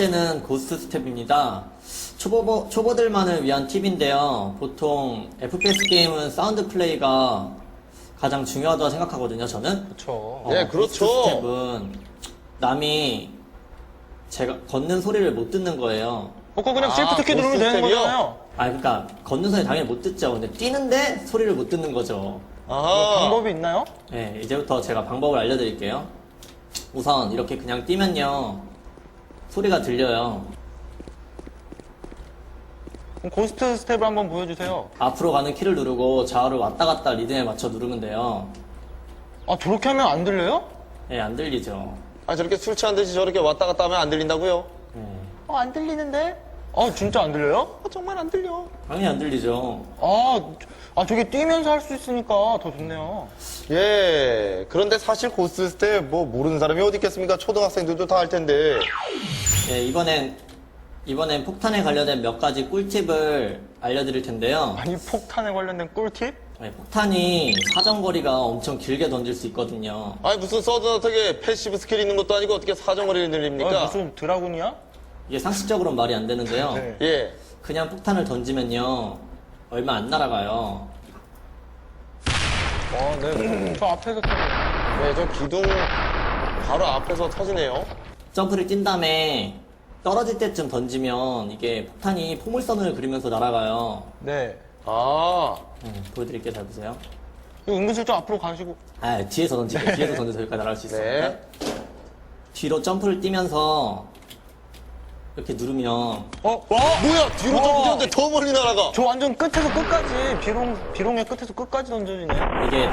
번째는 고스트 스텝입니다. 초보들만을 위한 팁인데요. 보통 FPS 게임은 사운드 플레이가 가장 중요하다고 생각하거든요, 저는. 그렇죠. 네, 그렇죠. 고스트 스텝은 남이 제가 걷는 소리를 못 듣는 거예요. 그거 그냥 시프트 키 누르면 되는 고스텝이요? 거잖아요. 그러니까 걷는 소리 당연히 못 듣죠. 근데 뛰는데 소리를 못 듣는 거죠. 뭐 아하. 방법이 있나요? 네, 이제부터 제가 방법을 알려드릴게요. 우선 이렇게 그냥 뛰면요, 소리가 들려요. 그럼 고스트 스텝을 한번 보여주세요. 앞으로 가는 키를 누르고 좌우를 왔다 갔다 리듬에 맞춰 누르면 돼요. 아, 저렇게 하면 안 들려요? 네, 안 들리죠. 아, 저렇게 술 취한 듯이 저렇게 왔다 갔다 하면 안 들린다고요? 네, 안 들리는데? 진짜 안 들려요? 정말 안 들려. 당연히 안 들리죠. 저게 뛰면서 할 수 있으니까 더 좋네요. 예. 그런데 사실 고스트 스텝 뭐 모르는 사람이 어디 있겠습니까? 초등학생들도 다 할 텐데. 네, 이번엔 폭탄에 관련된 몇 가지 꿀팁을 알려드릴 텐데요. 아니, 폭탄에 관련된 꿀팁? 네, 폭탄이 사정거리가 엄청 길게 던질 수 있거든요. 아니, 무슨 서든어택에 패시브 스킬이 있는 것도 아니고 어떻게 사정거리를 늘립니까? 무슨 드라군이야? 이게 상식적으로는 말이 안 되는데요. 네. 예. 그냥 폭탄을 던지면요, 얼마 안 날아가요. 네. 저 앞에서 터져요. 네, 저 기둥 바로 앞에서 터지네요. 점프를 뛴 다음에 떨어질 때쯤 던지면 이게 폭탄이 포물선을 그리면서 날아가요. 네. 아. 보여드릴게요. 잘 보세요. 이거 은근슬쩍 앞으로 가시고. 뒤에서 던지게. 뒤에서 던져서 여기까지 날아갈 수 있어요. 네. 뒤로 점프를 뛰면서 이렇게 누르면 와! 뭐야? 뒤로 점프 뛰는데 더 멀리 날아가. 저 완전 끝에서 끝까지, 비롱의 끝에서 끝까지 던져지네. 이게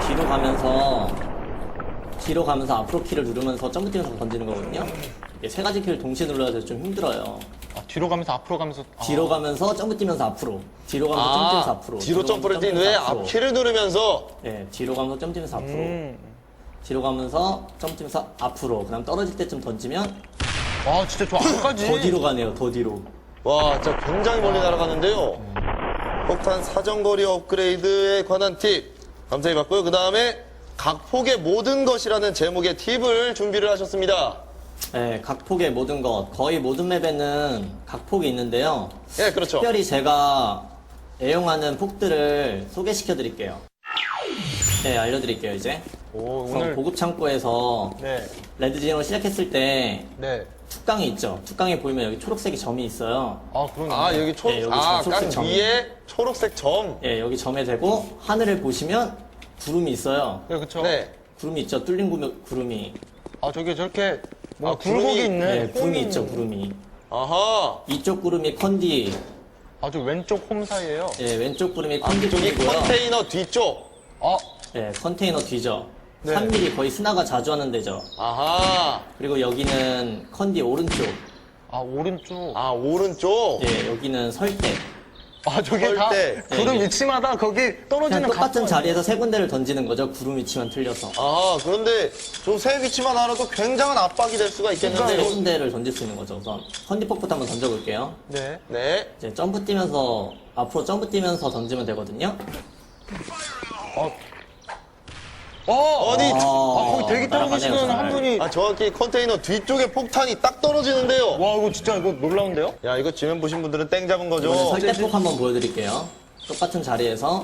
뒤로 가면서 앞으로 키를 누르면서 점프 뛰면서 던지는 거거든요. 이게 세 가지 키를 동시에 눌러야 돼서 좀 힘들어요. 뒤로 가면서 앞으로 가면서. 뒤로 가면서 점프 뛰면서 앞으로. 뒤로 가면서 점프 뛰면서 앞으로. 뒤로 점프를 뛴 뛰면서 후에 앞으로. 앞키를 누르면서. 네, 뒤로 가면서 점프 뛰면서 앞으로. 음. 뒤로 가면서 점프 뛰면서 앞으로. 그다음 떨어질 때쯤 던지면 진짜 저 앞까지. 더 뒤로 가네요. 더 뒤로. 와, 진짜 굉장히 멀리 날아가는데요. 폭탄 사정거리 업그레이드에 관한 팁 감사히 받고요. 그 다음에 각폭의 모든 것이라는 제목의 팁을 준비를 하셨습니다. 네, 각폭의 모든 것. 거의 모든 맵에는 각폭이 있는데요. 예, 그렇죠. 특별히 제가 애용하는 폭들을 소개시켜 드릴게요. 네, 알려드릴게요, 이제. 우선 오늘. 보급 창고에서 네. 레드진으로 시작했을 때 네. 툭강이 있죠. 툭강에 보이면 여기 초록색이 점이 있어요. 그러네. 아, 여기 네, 여기 깡 초록색 점. 위에 초록색 점. 예, 여기 점에 대고 하늘을 보시면 구름이 있어요. 네, 그쵸. 네. 구름이 있죠. 뚫린 구름이. 저게 저렇게, 구름이- 굴곡이 있네. 네, 구름이 있죠. 구름이. 아하. 이쪽 구름이 컨디. 저 왼쪽 홈 사이에요. 예, 왼쪽 구름이 컨디 저기 쪽이고요. 컨테이너 뒤쪽. 예, 컨테이너 뒤죠. 네. 3mm 거의 스나가 자주 하는 데죠. 아하. 그리고 여기는 컨디 오른쪽. 오른쪽. 아, 오른쪽. 예, 여기는 설대. 저게 다 때. 구름 네. 위치마다 거기 그냥 떨어지는 똑같은 각도가 자리에서 세 군데를 던지는 거죠. 구름 위치만 틀려서. 아, 그런데 저 세 위치만 알아도 굉장한 압박이 될 수가 세 있겠는데요. 군데를 던질 수 있는 거죠. 우선 컨디폭부터 한번 던져볼게요. 네. 네. 이제 점프 뛰면서 앞으로 점프 뛰면서 던지면 되거든요. 아니, 거기 대기 타고 날아가네요, 계시는 잘. 한 분이. 정확히 컨테이너 뒤쪽에 폭탄이 딱 떨어지는데요. 와, 이거 진짜 이거 놀라운데요? 야, 이거 지면 보신 분들은 땡 잡은 거죠. 이번엔 설대폭 한번 보여드릴게요. 똑같은 자리에서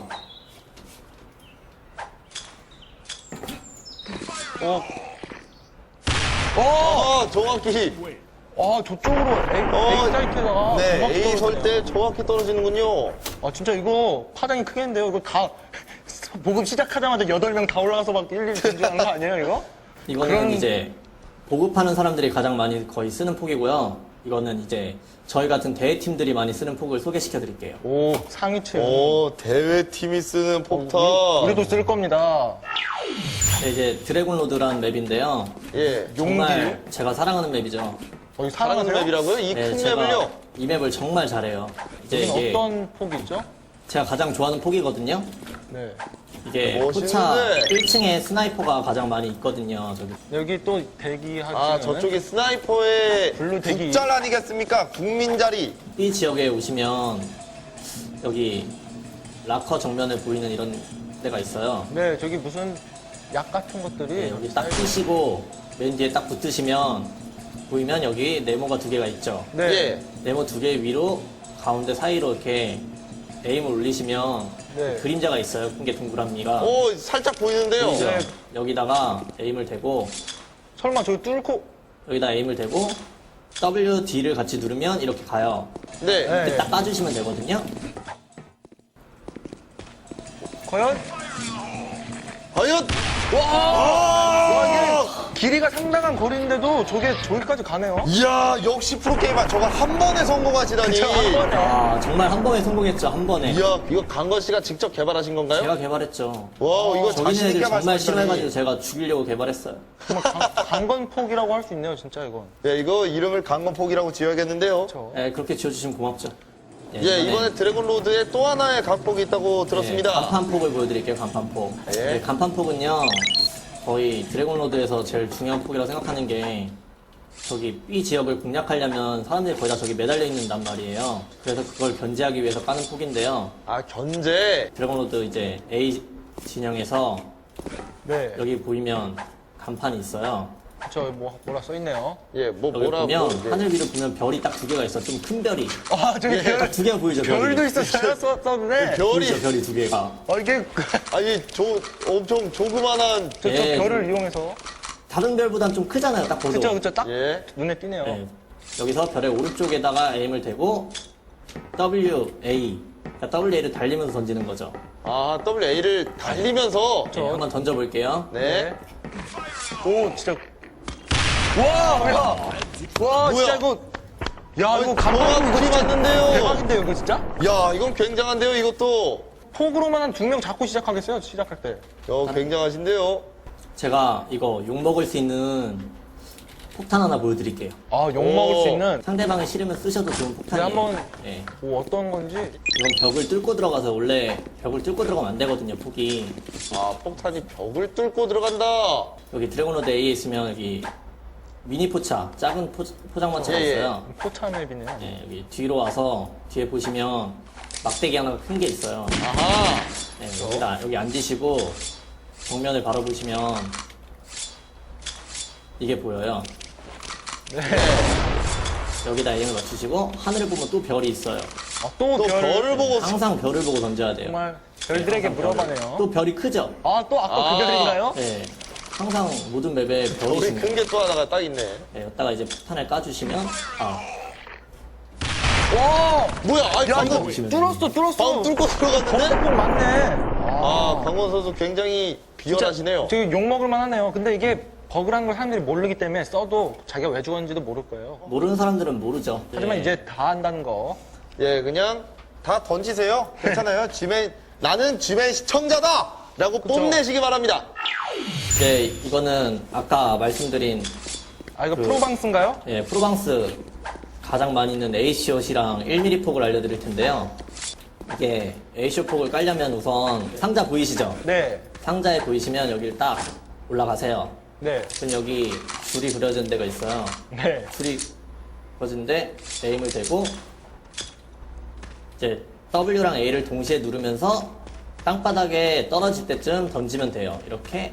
정확히. 저쪽으로 A 사이트에다가. 네, 정확히 A 떨어지네요. 설때 정확히 떨어지는군요. 진짜 이거 파장이 크겠는데요? 이거 다 보급 시작하자마자 8명 다 올라가서 막 일일이 던지는 거 아니에요, 이거? 이거는 그런- 이제 보급하는 사람들이 가장 많이 거의 쓰는 폭이고요. 이거는 이제 저희 같은 대회팀들이 많이 쓰는 폭을 소개시켜 드릴게요. 상위층. 대회팀이 쓰는 폭탄. 우리도 쓸 겁니다. 네, 이제 드래곤 로드라는 맵인데요. 예. 정말 제가 사랑하는 맵이죠. 여기 사랑하는 사랑하세요? 맵이라고요? 이 네, 큰 제가 맵을요? 이 맵을 정말 잘해요. 이제 여기는 이게 어떤 폭이 있죠? 제가 가장 좋아하는 폭이거든요. 네. 이게 멋있는데. 포차 1층에 스나이퍼가 가장 많이 있거든요. 저기 여기 또 대기하시는. 아, 저쪽이 스나이퍼의 블루 대기. 국잘 아니겠습니까? 국민 자리. B 지역에 오시면 여기 락커 정면에 보이는 이런 데가 있어요. 네, 저기 무슨 약 같은 것들이. 네, 여기 딱 끼시고 맨 뒤에 딱 붙으시면 보이면 여기 네모가 2개가 있죠. 네. 예. 네모 2개 위로 가운데 사이로 이렇게 에임을 올리시면 네. 그림자가 있어요. 큰 게 동그라미가. 오, 살짝 보이는데요. 보이죠? 네. 여기다가 에임을 대고 설마 저기 뚫고. 여기다 에임을 대고 WD를 같이 누르면 이렇게 가요. 네. 네. 근데 딱 까주시면 되거든요. 과연? 과연! 와, 이게 길이가 상당한 거리인데도 저기까지 가네요. 이야, 역시 프로게이머. 저걸 한 번에 성공하시다니. 그쵸, 한 번에. 아, 정말 한 번에 성공했죠. 한 번에. 이야, 이거 강건 씨가 직접 개발하신 건가요? 제가 개발했죠. 와, 이거 저기 자신 애들 있게 정말 말씀하시다니. 싫어해가지고 제가 죽이려고 개발했어요. 정말 강건폭이라고 할 수 있네요, 진짜 이건. 네, 이거 이름을 강건폭이라고 지어야겠는데요. 그렇죠. 네, 그렇게 지어주시면 고맙죠. 예, 이번에 드래곤로드에 또 하나의 각폭이 있다고 들었습니다. 간판폭을 보여드릴게요, 간판폭. 예. 네, 간판폭은요, 거의 드래곤로드에서 제일 중요한 폭이라고 생각하는 게, 저기 B 지역을 공략하려면 사람들이 거의 다 저기 매달려 있는단 말이에요. 그래서 그걸 견제하기 위해서 까는 폭인데요. 아, 견제. 드래곤로드 이제 A 진영에서 네. 여기 보이면 간판이 있어요. 저 뭐라 써있네요. 예, 뭐, 여기 뭐라고. 보면 이제. 하늘 위로 보면 별이 딱 2개가 있어. 좀 큰 별이. 아, 저기 별, 딱 2개가 보이죠, 별이. 별도 있었어요, 썼는데. 별이. 보이죠, 별이 2개가. 이게, 아니, 엄청 조그만한. 저 예. 별을 이용해서. 다른 별보단 좀 크잖아요, 딱 보도. 그쵸, 딱 예. 눈에 띄네요. 네. 여기서 별의 오른쪽에다가 에임을 대고 WA, 그러니까 WA를 달리면서 던지는 거죠. 아, WA를 달리면서. 네, 한번 던져볼게요. 네. 오, 진짜. 와, 야! 와, 진짜 이거. 야, 이거 감독님 이거 불이 진짜 맞는데요. 대박인데요, 이거 진짜? 야, 이건 굉장한데요, 이것도. 폭으로만 한 2명 잡고 시작하겠어요, 시작할 때. 야, 굉장하신데요. 제가 이거 욕먹을 수 있는 폭탄 하나 보여드릴게요. 아, 욕먹을 오. 수 있는. 상대방이 싫으면 쓰셔도 좋은 폭탄이에요. 네, 한번- 네. 오, 어떤 건지. 이건 벽을 뚫고 들어가서 원래 벽을 뚫고 들어가면 안 되거든요, 폭이. 아, 폭탄이 벽을 뚫고 들어간다. 여기 드래곤로드 A에 있으면 여기 미니 포차, 작은 포장마차가 예, 예. 있어요. 포차 맵이네요. 네, 여기 뒤로 와서 뒤에 보시면 막대기 하나가 큰 게 있어요. 아하. 네, 여기 앉으시고 정면을 바라보시면 이게 보여요. 네. 여기다 에임을 맞추시고 하늘을 보면 또 별이 있어요. 아, 또 또 별을 보고. 항상 별을 보고 던져야 돼요. 정말 별들에게 물어봐네요. 또 별이 크죠? 아, 또 아까 아. 그 별인가요? 네. 항상 모든 맵에 별이 우리 있습니다. 큰 게 또 하나가 딱 있네. 네, 여기다가 이제 폭탄을 까주시면 와! 뭐야, 아니, 야, 방금, 이거 보시면 뚫었어. 방금 뚫고 들어갔는데? 꼭 맞네. 아, 강원 선수 굉장히 비열하시네요. 되게 욕먹을만 하네요. 근데 이게 버그라는 걸 사람들이 모르기 때문에 써도 자기가 왜 죽었는지도 모를 거예요. 모르는 사람들은 모르죠. 하지만 네. 이제 다 안다는 거. 예, 그냥 다 던지세요. 괜찮아요. 나는 쥐맨 시청자다! 라고 뽐내시기 바랍니다. 네, 이거는 아까 말씀드린 아, 이거 프로방스인가요? 예, 프로방스 가장 많이 있는 A시옷이랑 1mm 폭을 알려드릴 텐데요. 이게 A시옷 폭을 깔려면 우선 상자 보이시죠? 네. 상자에 보이시면 여기를 딱 올라가세요. 네. 그럼 여기 줄이 그려진 데가 있어요. 네. 줄이 그려진데 에임을 대고 이제 W랑 A를 동시에 누르면서 땅바닥에 떨어질 때쯤 던지면 돼요. 이렇게.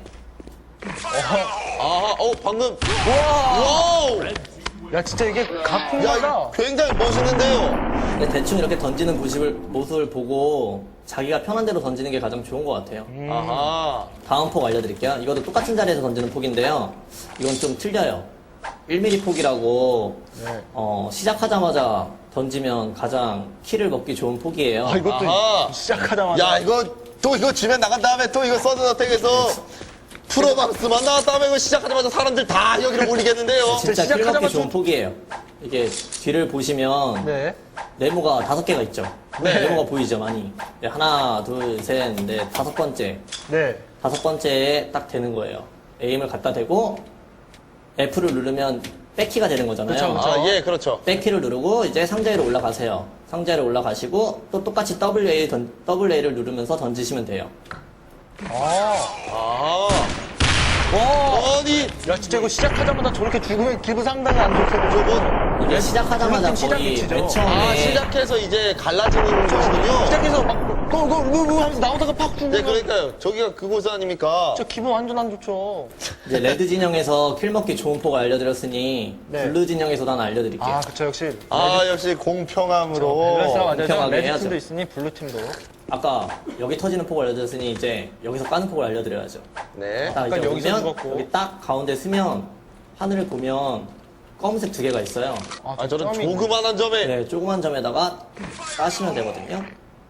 아, 방금. 와우! 야, 진짜 이게 야, 가품마다. 이거 굉장히 멋있는데요. 근데 대충 이렇게 던지는 모습을 보고 자기가 편한 대로 던지는 게 가장 좋은 것 같아요. 아하. 다음 폭 알려드릴게요. 이것도 똑같은 자리에서 던지는 폭인데요. 이건 좀 틀려요. 1mm 폭이라고 네. 시작하자마자 던지면 가장 키를 먹기 좋은 폭이에요. 아, 이것도 아하. 시작하자마자. 야, 이거 쥐맨 나간 다음에 또 이거 서든어택에서 프로방스만 나왔다면 이거 시작하자마자 사람들 다 여기를 몰리겠는데요. 진짜 키를 먹기 시작하자마자 좋은 폭이에요. 이게 뒤를 보시면 네. 네모가 5개가 있죠. 네. 네모가 보이죠, 많이. 네, 하나, 둘, 셋, 넷, 5번째. 네. 5번째에 딱 되는 거예요. 에임을 갖다 대고 F를 누르면 백키가 되는 거잖아요. 그쵸, 그쵸. 아, 예, 그렇죠. 백키를 누르고 이제 상자위로 올라가세요. 상자위로 올라가시고 또 똑같이 WA를 누르면서 던지시면 돼요. 아, 와. 아니, 야, 진짜 이거 시작하자마자 저렇게 죽으면 기분 상당히 안 좋겠네. 저건, 이게 시작하자마자 그렇게 거의 시작이죠. 맨 처음에 시작해서 이제 갈라지는 것이군요. 시작해서 막 또 하면서 나오다가 팍 죽으면. 네, 그러니까요. 저기가 그곳 아닙니까? 저 기분 완전 안 좋죠. 이제 레드 진영에서 킬 먹기 좋은 폭을 알려드렸으니 네. 블루 진영에서도 하나 알려드릴게요. 아, 그쵸. 역시. 역시 공평함으로. 밸런스가 맞아요. 공평하게 레드 해야죠. 팀도 있으니 블루 팀도. 아까 여기 터지는 폭을 알려드렸으니 이제 여기서 까는 폭을 알려드려야죠. 네. 딱 이제 아까 여기서 오면 죽었고. 여기 딱 가운데 쓰면 하늘을 보면 검은색 2개가 있어요. 저런 점이 조그만한 점에. 네, 조그만 점에다가 까시면 되거든요.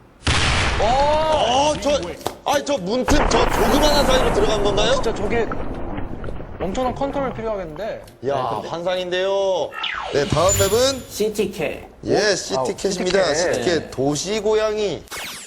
저 문틈, 저 조그만한 사이로 들어간 건가요? 진짜 저게 엄청난 컨트롤이 필요하겠는데. 야, 환상인데요. 네, 다음 맵은 CTK. 시티캣입니다. 시티캣. 시티캣 도시 고양이.